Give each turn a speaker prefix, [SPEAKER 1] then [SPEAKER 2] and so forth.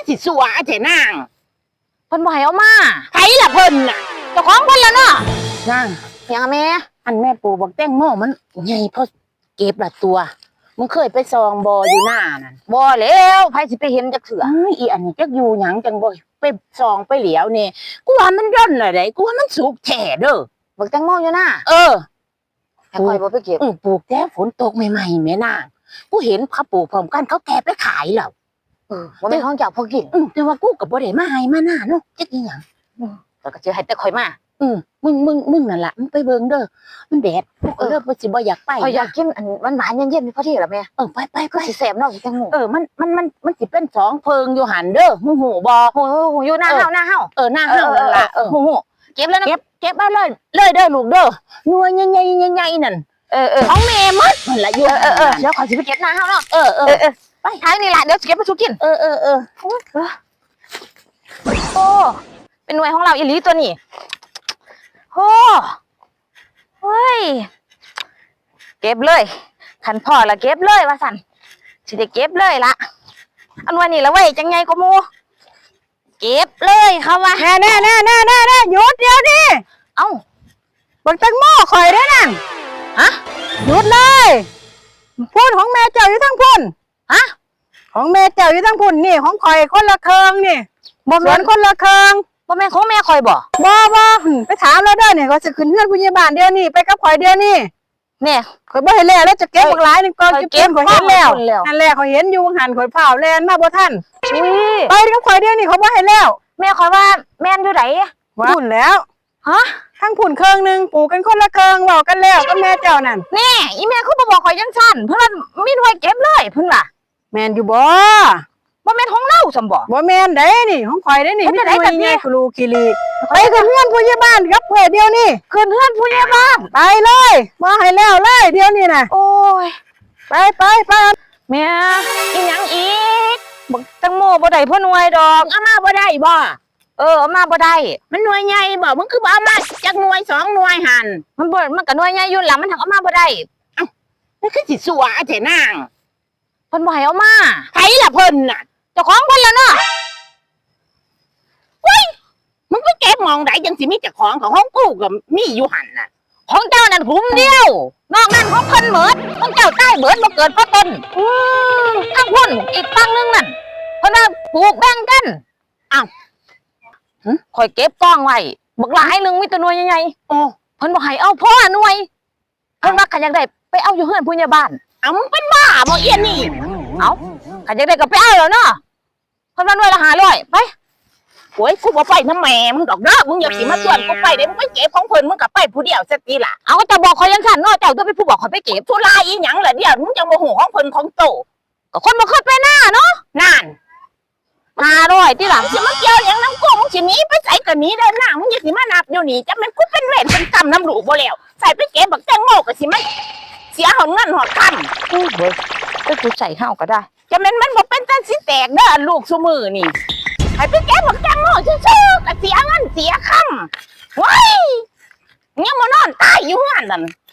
[SPEAKER 1] สิสัวเถนาง
[SPEAKER 2] เพิ่นบ่ให้เอามา
[SPEAKER 1] ไผล่ะเพิ่นน่ะ
[SPEAKER 2] เจ้าของเพิ่นแล้วเนาะ
[SPEAKER 1] นาง
[SPEAKER 2] ยังแม่
[SPEAKER 1] อันแม่ปู่บอกแตงโมมันใหญ่พอเก็บละตัวมึงเคยไปซองบ่อยู่หน้านั่น
[SPEAKER 2] บ่แล้วไผสิไปเห็นจักเถื่อ
[SPEAKER 1] อีอันนี้จักอยู่หยังจังบ่ไปซองไปเหลียวนี่กูว่ามันย่นน่ะไดกูว่ามันสุกแท้เด้อ
[SPEAKER 2] บักแตงโมอยู่น่ะแต่ข่อยบ่ไปเก็บ
[SPEAKER 1] ปลูกแต่ฝนตกใหม่ๆแม่นางกูเห็นเขาปลูกพร้อมกันเขาแก่ไปขายแล้ว
[SPEAKER 2] บ่แม่นของเจ้าพอกิน
[SPEAKER 1] แต่ว่ากูก็บ่ได้มาให้มาหน้าเนาะจักอีหยัง
[SPEAKER 2] แล้วก็สิให้แต่ข่อยมา
[SPEAKER 1] มึงนั่นล่ะมึงไปเบิ่งเด้อมันแดดกูก็เริ่มสิบ่อยากไป
[SPEAKER 2] ข่อยอยากกินอันหวานๆเย็นๆพอดีล่ะแม่
[SPEAKER 1] ไป
[SPEAKER 2] สิแซ่บเนาะแตงโม
[SPEAKER 1] มันสิเป็น2เพิงอยู่หั่นเด้อมึงหูบ่
[SPEAKER 2] หูอยู่หน้าเฮา
[SPEAKER 1] หน้าเฮานั่นล่ะหู
[SPEAKER 2] เก็บแล้วนะ
[SPEAKER 1] เก็บเอาเลยเด้อลูกเด้อหน่วยใหญ่ๆนั่นของแม่มัดมันละอยู่
[SPEAKER 2] เดี๋ยวข่อยสิไปเก็บหน้าเฮาเนาะไปทางนี่ล่ะเดี๋ยวสิเก็บมาสู่กินโอ้เป็นหน่วยของเราอีหลีตัวนี้โอ้เฮ้ยเก็บเลยขันพ่อละเก็บเลยว่าสั่นสิได้เก็บเลยละอันวันนี้ละเว้ยจังไงก็มูเก็บเลยเขาว่า
[SPEAKER 1] แน่หยุดเดี๋ยวดิ
[SPEAKER 2] เอ้า
[SPEAKER 1] บักแตงโมข่อยได้นั่นหยุดเลยพูดของแม่เจ้าอยู่ทั้งพุ่นของแม่เจ้าอยู่ทั้งพุ่นนี่ของข่อยคนละเคิงนี่บ่แม่นคนละเคิง
[SPEAKER 2] บ่แม่นของแม่ข่อยบ่
[SPEAKER 1] ไปถามแล้วเด้อเนี่ยก็จะขึ้นเฮือนผู้ใหญ่บ้านเดี๋ยวนี้ไปกับข่อยเดี๋ยวนี้
[SPEAKER 2] แม่
[SPEAKER 1] ข่อยบ่เห็นแล้วจะเก็บบักหลายนึงก่อนเก็บข่อยเห็นแล้วนั่นแหละข่อยเห็นอยู่หันข่อยเผาแลนมาบ่ทันไปกับข่อยเดี๋ยวนี้เขาบ่เห็นแล้ว
[SPEAKER 2] แม่ข่อยว่าแม่นอยู่ไหน
[SPEAKER 1] พุ่นแล้วทั้งพุ่นเคิงนึงปลูกกันคนละเคิงเว้ากันแล้วกับแม่เจ้านั่น
[SPEAKER 2] นี่อีแม่คือบ่บอกข่อยจังซั่นเพิ่นว่ามีหน่วยเก็บเลยเพิ่นว่า
[SPEAKER 1] แม่นอยู่บ่
[SPEAKER 2] แม่นของเราซั่นบ่
[SPEAKER 1] แม่นได้นี่ของข่อยได้นี่มีหน่วยใหญ่ครูคิริไปกับเฮือนผู้ใหญ่บ้านกับเพิ่นเดี๋ยวนี้
[SPEAKER 2] ขึ้นเฮือนผู้ใหญ่บ้าน
[SPEAKER 1] ไปเลยบ่ให้แล้วเลยเดี๋ยวนี้น่ะ
[SPEAKER 2] โอ้ย
[SPEAKER 1] ไป
[SPEAKER 2] แม่อีหยังอีกบักแตงโมบ่ได้เพิ่นหน่วยดอก
[SPEAKER 1] เอามาบ่ได้บ่
[SPEAKER 2] เอามาบ่ได้
[SPEAKER 1] มันหน่วยใหญ่บ่มึงคือบ่เอามาจักหน่วย2หน่วยหั่น
[SPEAKER 2] มันก็หน่วยใหญ่อยู่หลังมันเอามาบ่ได้
[SPEAKER 1] มันคือสิสัวเถนาง
[SPEAKER 2] เพิ่นบ่ให้เอามา
[SPEAKER 1] ไผล่ะเพิ่นน่ะ
[SPEAKER 2] เจ้าของเพิ่นแล้วเนาะ
[SPEAKER 1] เฮ้ยมึงไปเก็บมองได้จังสิมีเจ้าของกูก็มีอยู่หั่นน่ะ
[SPEAKER 2] ของเจ้านั่นกลุ่มเดียวนอกนั้นของเพิ่นหมดของเจ้าใต้เบิดบ่เกิดเพราะต้นทั้งพุ่นอีกฝั่งนึงนั่นเพิ่นว่าปลูกแบ่งกันอ้าวข่อยเก็บกองไว้บักหลายนึงมีแต่หน่วยใหญ่ๆเพิ่นบ่ให้เอาพ่อหน่วยเพิ่นว่าคันอยากได้ไปเอาอยู่เฮือนผู้ใหญ่บ้าน
[SPEAKER 1] มึงเป็นบ้าบ่เอียนนี่
[SPEAKER 2] คันอยากได้ก็ไปเอาแล้วเนาะเพิ่นว่าหน่วยละ500ไป
[SPEAKER 1] โอ้ยกูบ่ไปนำแม่มึงดอกเด้อมึงอย่าสิมาชวนกูไปเด้มึงไปเก็บของเพิ่นมึงก็ไปผู้เดียวซะติล่ะ
[SPEAKER 2] เอาจะบอกข่อยจังซั่นเนาะเจ้าตัวเป็นผู้บอกข่อยไปเก็บ
[SPEAKER 1] ธุระอีหยังล่ะเดี๋ยวมึงจังบ่ฮู้ของเพิ่นของโต
[SPEAKER 2] ก็คนบ่เคยไปหน้าเนาะ
[SPEAKER 1] นั่น
[SPEAKER 2] 500ติล่ะ
[SPEAKER 1] สิมาเกี่ยวหยังนำกูมึงสิหนีไปไสก็หนีเด้อหน้ามึงอย่าสิมานับอยู่นี่จักแม่นกูเป็นเวรเป็นกรรมนำลูกบ่แล้วใส่ไปเก็บบักแตงโมก็สิมาเสียหอนเงินหอดคำ
[SPEAKER 2] เบิดไปกูใส่เฮาก็ได้
[SPEAKER 1] จักแม่นมันบ่เป็นจังสิแตกเด้อลูกซุมื้อนี่ให้ไปเก็บบักแตงโมซื่อๆก็เสียเงินเสียคำว้ายยังมานอนตายอยู่เฮือนนั่น